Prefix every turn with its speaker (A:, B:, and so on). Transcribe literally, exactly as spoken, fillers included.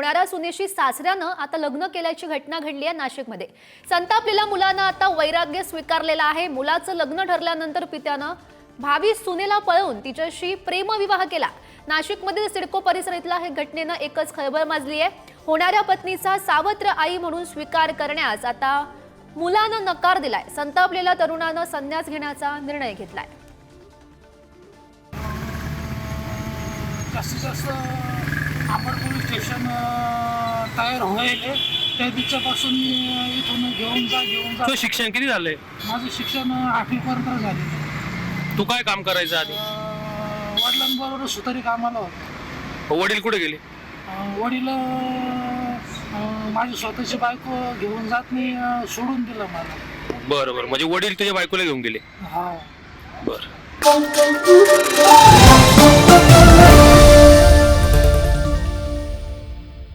A: होणाऱ्या सुनेशी सासऱ्यानं आता लग्न केल्याची घटना घडली आहे नाशिकमध्ये। संतापलेल्या मुलानं आता वैराग्य स्वीकारलेला आहे। मुलाचं लग्न ठरल्यानंतर पित्यानं भावी सुनेला पळवून तिच्याशी प्रेमविवाह केला। नाशिकमधील सिडको परिसरातल्या हे घटनेनं एकच खळबळ माजली आहे। होणाऱ्या पत्नीचा सावत्र आई म्हणून स्वीकार करण्यास आता मुलानं नकार दिलाय। संतापलेल्या तरुणानं संन्यास घेण्याचा निर्णय घेतलाय।
B: जास्तीत जास्त आपण पोलीस स्टेशन तयार व्हायले त्या दिवसापासून मी इथून घेऊन जा घेऊन जा।
C: तो शिक्षण किती झालंय?
B: माझं शिक्षण आठवीपर्यंत झाले।
C: तू काय काम करायचं आधी?
B: वडिलांबरोबर सुतारी कामाला होतो।
C: वडील कुठे गेले?
B: वडील माझी स्वतःची बायको घेऊन जात नाही, सोडून दिलं मला।
C: बरं बरं, म्हणजे वडील तुझ्या बायकोला घेऊन गेले?
B: हा
C: बरं।